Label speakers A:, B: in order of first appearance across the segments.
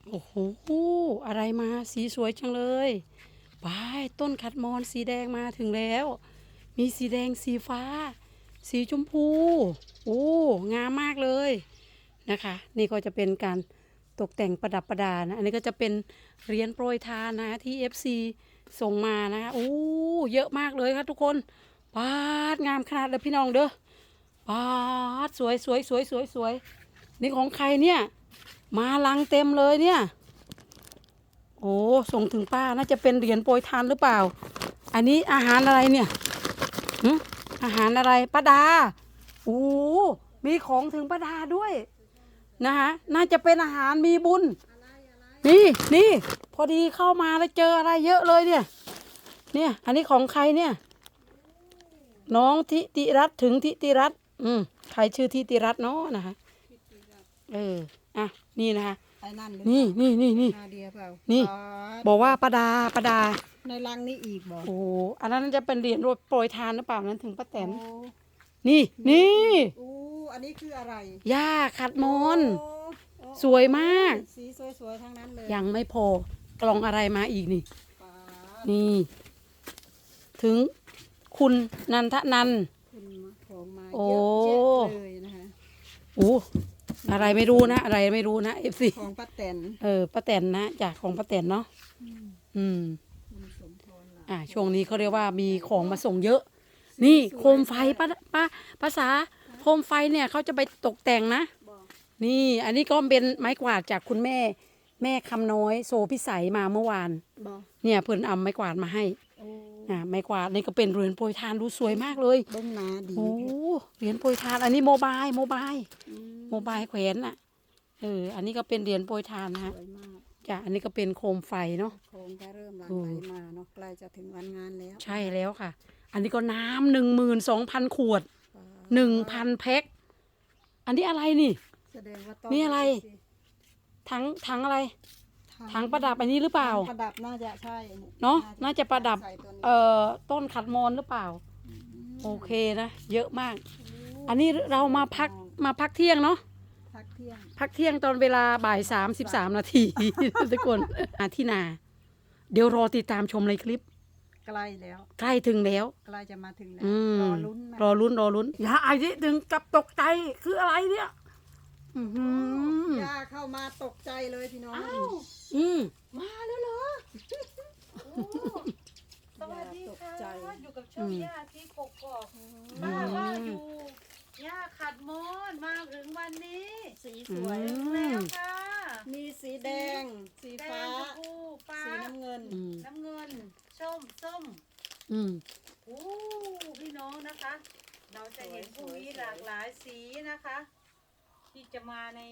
A: โอ้โหอะไรมาสีสวยจังเลยบายต้นขัดมอนสีแดงมาถึงแล้ว มีสีแดงสีฟ้า สีชมพูโอ้งามมากเลยนะคะนี่ก็จะเป็นการตกแต่งประดับประดานะอันนี้ก็จะเป็นเหรียญโปรยทานนะที่ FC ส่งมานะคะโอ้เยอะมากเลยครับทุกคนปาดงามขนาดเลยพี่น้องเด้อปาดสวยสวยสวยสวยสวยนี่ของใครเนี่ยมาลังเต็มเลยเนี่ยโอ้ส่งถึงป้าน่าจะเป็นเหรียญโปรยทานหรือเปล่าอันนี้อาหารอะไรเนี่ยหึอาหารอะไรป้าดาโอ้มีของถึงป้าดาด้วยนะคะน่าจะเป็นอาหารมีบุญนี่นี่พอดีเข้ามาแล้วเจออะไรเยอะเลยเนี่ยอันนี้ของใครเนี่ยน้องทิติรัตน์ถึงทิติรัตน์ใครชื่อทิติรัตน์เนาะนะคะอ่ะนี่นะคะ
B: ไอ้นั่นหรือ
A: นี่
B: เปล่า
A: นี่
B: นาเดียเปล่า
A: นี่
B: อ๋อ
A: บอกว่าประดา
B: ในรังนี่อีกบอก
A: โอ้โหอันนั้นจะเป็นเหรียญโปรยทานหรือเปล่านั้นถึงป้าแตน
B: โอ้
A: นี่
B: อู้อันนี้คืออะไร
A: หญ้าขัดมอน
B: โอ้โอ้
A: สวยมาก
B: สีสวยๆทั้งนั้นเลย
A: ยังไม่พอกล่องอะไรมาอีกนี่
B: ป๊าด
A: นี่ ถึงคุณนันทนันท์
B: คุณของมา
A: โอ้
B: เยอะแยะเลยนะคะ
A: โอ้อะไรไม่รู้นะอะไรไม่รู้นะเอฟซี
B: ของป้าแตน
A: ป้าแตนนะจากของป้าแตนเนาะ อืม
B: คุณสมพรล่ะ
A: ช่วงนี้เขาเรียกว่ามีของมาส่งเยอะ นี่โคมไฟภาษาโคมไฟเนี่ยเขาจะไปตกแต่งนะ
B: บอก
A: นี่อันนี้ก็เป็นไม้กวาดจากคุณแม่คำน้อยโซพิสัยมาเมื่อวาน
B: บอก
A: เนี่ยเพิ่นเอาไม้กวาดมาให้
B: โอ้
A: ไม้กวาดนี่ก็เป็นเหรียญโปรยทานดูสวยมากเลย
B: เบิ้งหนาดี
A: โอ้เหรียญโปรยทานอันนี้โมบาย
B: อืม
A: โมบายแขวนน่ะอันนี้ก็เป็นเหรียญโปรยทานนะ
B: ส
A: ฮะ
B: วยมาก
A: จ้ะอันนี้ก็เป็นโคมไฟเนาะ
B: โคงก็เริ่มหลั่งไหลมาเนาะใกล้จะถึงวันงานแล้ว
A: ใช่แล้วค่ะ อันนี้ก็น้ำ12,000 ขวด
B: ป๊าด
A: 1,000 แพ็คอันนี้อะไรนี่
B: แสดงว่าต้
A: นี่อะไร ถังอะไร ถังประดับอันนี้หรือเปล่า
B: ประดับน่าจะใช่
A: เนาะน่าจะประดับ
B: ใส่ตัวนี้
A: ต้นขัดมอนหรือเปล่า โอเคนะเยอะมาก อันนี้เรามาพักเที่ยงเนาะ
B: พักเที่ยง
A: พักเที่ยงตอนเวลาบ่าย33 นาที ทุกคนที่นา เดี๋ยวรอติดตามชมในคลิป
B: ใกล้แล้ว
A: ใกล้ถึงแล้ว
B: ใกล้จะมาถึงแล้ว
A: อืม
B: รอลุ้นนะ
A: รอลุ้นอย่าไอ้ที่ถึงกับตกใจคืออะไรเนี่ยอื้อหือย่
B: าเข้ามาตกใจเลยพี่น้อง
A: อืม
B: มาแล้วเหรอ
C: สวัสดี
B: ตก
C: ค่ะ
B: ใจ
C: อยู่กับช่องย่าที่กกอกป้าว่าอยู่ย่าขัดมอนมาถึงวันนี้
B: สีสวย
C: ถึงแล้วค่ะ
B: มีสีแดง สี
C: แด
B: ฟ้า
C: งชมพูฟ้า
B: สีน้ำเงิน
C: น้ำเงินส้ม
A: อืม
C: โอ้พี่น้องนะคะ เราจะเห็นพรุ่งนี้หลากหลายสีนะคะ ที่จะมาใน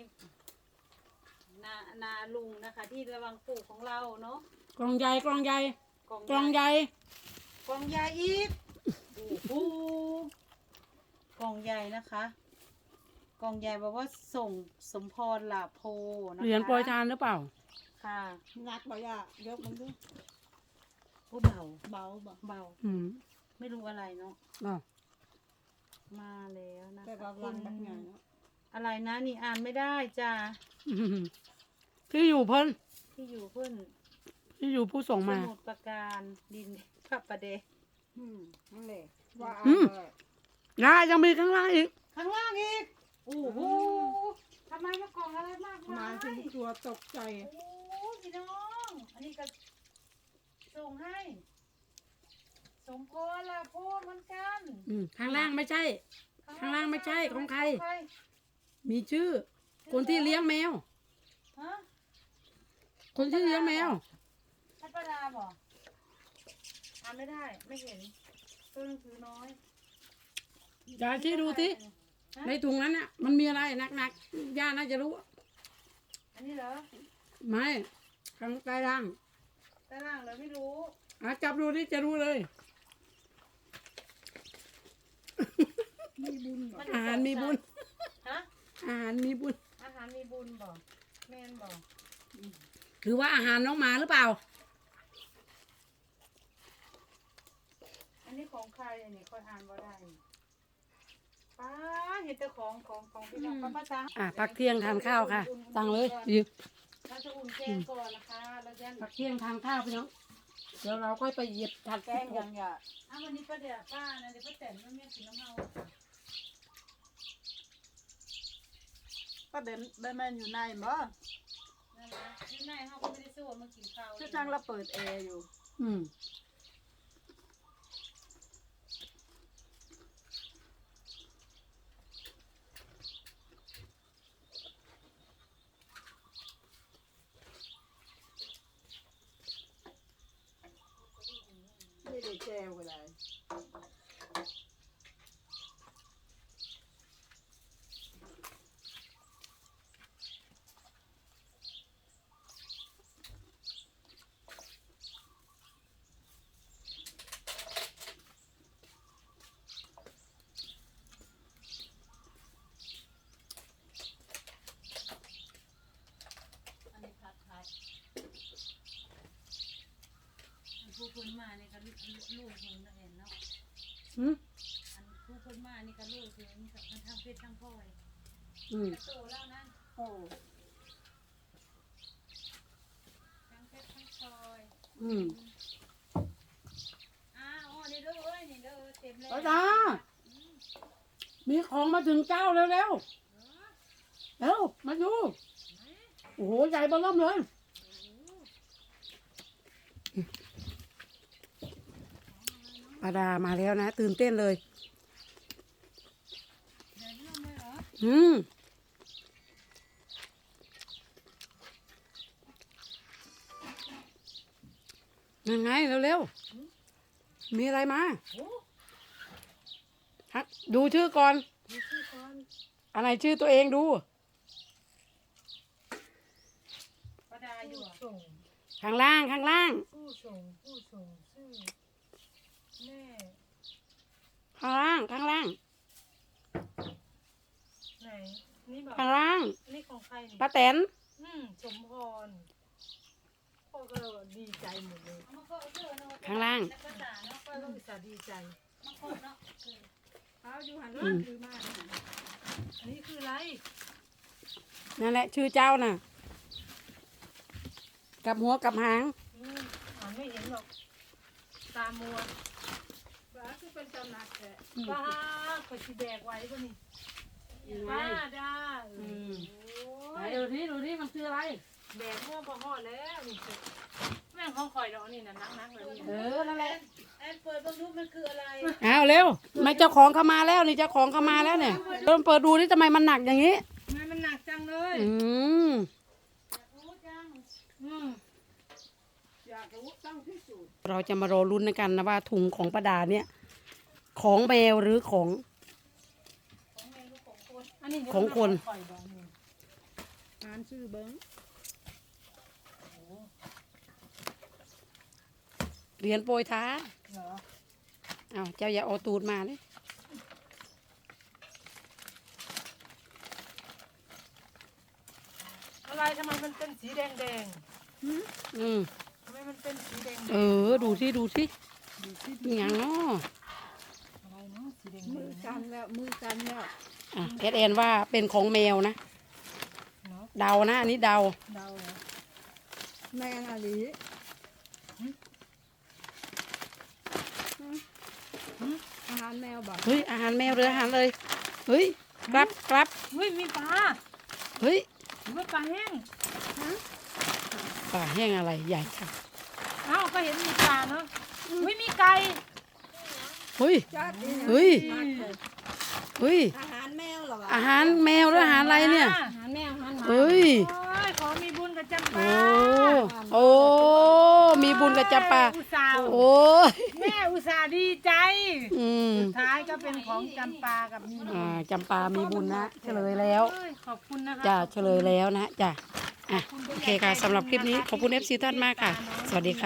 C: นาลุงนะคะ ที่ระวังปลูกของเราเนาะ
A: กล่องใหญ่
C: กล่อง
A: กล่องใหญ่
C: กล่องใหญ่อีกโอ้โหกล่องใหญ่นะคะ กล่องใหญ่บอกว่าส่งสมพรหลาโพนะคะ
A: เหรียญโปรยทานหรือเปล่า
C: ค่ะ
B: งัดบ่ย่ายกมันดู
C: โอ้เบา
B: เบาบ่
C: เบา
A: อืม
C: ไม่รู้อะไรเนาะ
A: อ่ะ
C: มาแล้วนะ
B: แต่
C: คะ
B: ว่าลังแบบไงเนาะ
C: อะไรนะนี่อ่านไม่ได้จ้า
A: อืมที่อยู่เพิ่น
C: ที่อยู่เพื่อน
A: ที่อยู่ผู้ส่ง
C: ส
A: มา
C: มุดประการดินพระประเด
B: นั่นแหละว่า
A: อืม
B: เลย
A: ยายยังมีข้างล่างอีก
C: ข้างล่างอีกโอ้โหทำไมมากล่องอะไรมาก
B: มา
C: มา
B: ถึ
C: ย
B: งตัวตกใจ
C: โอ้พี่น้อง อันนี้ก็ส่งให้ สมพรละโพดเหมือนกัน
A: ข้างล่างไม่ใช่ ข้างล่างไม่ใช่ของใคร
C: ใคร
A: มีชื่อ คนที่เลี้ยงแมว
C: ฮะ
A: คนที่เลี้ยงแมว
C: พัดประดาบอกอ่านไม่ได้ ไม่เห็นตัวหนังสือน้อย
A: ยายที่ดูสิ
C: ฮะ
A: ในถุงนั้นน่ะ มันมีอะไรหนักๆย่าน่าจะรู้
C: อันนี้เหรอ
A: ไม่ข้างใต้ล่าง
C: ใต้ล่างเหรอไม่รู้
A: จับดูนี่จะรู้เลย
B: มีบุญเหรอ
A: อาหารมีบุญ
C: ฮะ
A: อาหารมีบุญ
C: อาหารมีบุญบอกแม่นบอก
A: หรือว่าอาหารน้องหมาหรือเปล่า
C: อันนี้ของใครอันนี้ค่อยอ่านบ่ได้ป้าเห็นแต่ของพี่น้องป้าป้าจ้า
A: พักเที่ยงทานข้าวค่ะ สั่งเลยหยิบ
C: เราจะอุ่นแกงก่อนนะคะเราจะ
A: ผักเที่ยงทานข้าวไปเนาะเดี๋ยวเราค่อยไปเหยียบถัด
B: แกงยังอย่า
C: วันนี้ป้าเดี๋ยวป้านะเดี๋ยวป้าแตนแม่กินน้ำเมา
B: ป้าเบนแม่นอยู่ในบ่
C: นั่นนะที่ไหนเขาก็ไม่ได้สู้มากินข้าว
B: ชื่อจังเราเปิดแอร์อยู่
A: อืม
B: ไม่ได้แจวก็ได้
C: อันนี้ผัดไทยอันผู้คนมานี่ก็ลูกเพิ่งเห็นเนาะ
A: อืม
C: อันผู้คนมานี่ก็ลูกเพิ่งกับมันทั้งเพชรทั้งพลอย
A: อืม
C: โตแล้วนะ
B: โอ้
C: ทั้งเพชรทั้งพลอย
A: อืม
C: อ๋อนี่เด้อเอ้ยนี่เด้อเต็มเลย
A: ป้าดามีของมาถึงเจ้าแล้วเร็วเร็วมาดูโอ้โหใหญ่เบ้อเริ่มเลยป้าดามาแล้วนะตื่นเต้นเลย
C: เดี๋ยวนี้เลยเหรอ
A: อืมยังไงเร็วๆมีอะไรมา
C: โอ้
A: ฮะดูชื่อก่อน
C: ดูชื่อก่อน
A: อะไรชื่อตัวเองดู
C: ป้าดาอยู่อ่ะส่ง
A: ข้างล่างข้างล่าง
C: ผู้ส่งชื่อแม่
A: ข้างล่างข้างล่าง
C: ไหนนี่บอก
A: ข้างล่าง
C: นี่ของใครนี่
A: ป้าแตน
C: สมพรพ่อก็ดีใจหมดเลย
A: ข้างล่าง
C: พ่อก็อุตส่าห์ดีใจ
B: เอาอยู่หันรถคือมา
C: อันนี้คืออะไร
A: นั่นแหละชื่อเจ้าน่ะกับหัวกับหาง
C: อ่านไม่เห็นหรอกตามัว
B: บ้าคือเป็นตำหนักแท้
C: ป้าก็สิแบกไว้ก็นี่ป้าดาโอ้ย
A: ดูที่ดูที่มันคืออะไร
C: แบกเมื่อพอหอดแล้วนี่แม่งของข่อยดอกนี่นะนักเลยนี่
A: นั่นแหละ
C: แอนเปิดบังดูมันคืออะไร
A: อ้าวเร็วไม่เจ้าของเข้ามาแล้วนี่เจ้าของเข้ามาแล้วเนี่ยเริ่มเปิดดูที่ทำไมมันหนักอย่างนี้
C: ทำไมมันหนักจังเลย
A: อืม
C: รู้จัง
B: อยากรู้ต้องพิสูจน์
A: เราจะมารอลุ้นกันนะว่าถุงของประดาเนี่ย ของแมวหรือของ
C: อันนี้
A: ของคน
C: ข่อยดอกนี่
B: อ่านชื่อเบิ้ง
A: เหรียญโปรยท้า
C: เหรอ
A: อ้าวเจ้าอย่าเอาตูดมาเลย
C: อะไรทำไมมันเป็นสีแดง
A: อืม
C: ทำไมมันเป็นสีแดง
A: ดูที่ดูที่มีอย่างเนาะ
C: อะไรเนาะสีแดง
B: มือกันแล้วมือกันแล้ว
A: อ่ะแอนว่าเป็นของแมวนะ
C: เนาะ
A: เดานะอันนี้เดา
C: เดาเหรอ
B: แมงอะลีอาหารแมวบ่
A: เฮ้ยอาหารแมวหรืออาหารเลยเฮ้ยครับครับ
C: เฮ้ยมีปลา
A: เฮ้ย
C: หรือว่าปลาแห้ง
A: ปลาแห้งอะไรใหญ่ค่ะ
C: เอ้าก็เห็นมีปลาเนาะเฮ้ยมีไก่
A: เฮ้ย
B: จัดนี่นะ
A: เฮ้ย เฮ้ย
B: อาหารแมวเหรอวะ
A: อาหารแมวหรืออาหารอะไรเนี่ย
B: อาหารแมวอาหารหมา
A: เฮ้ย
C: โอ้ยขอมีบุญกับจำ
A: โอ้
C: ปา
A: โอ้ มีบุญกับจับปลา
C: อุตส่าห์
A: โอ้ย
C: แม่อุตส่าห์ดีใจ
A: อืม
C: สุดท้ายก็เป็นของจำปากับมีบุญ
A: จำปามีบุญนะ เฉลยแล้ว
C: เอ้ยขอบคุณนะคะ
A: จ้ะเฉลยแล้วนะจ้ะอ่ะโอเคค่ะสำหรับคลิปนี้ขอบคุณ FC ท่านมากค่ะ สวัสดีค่ะ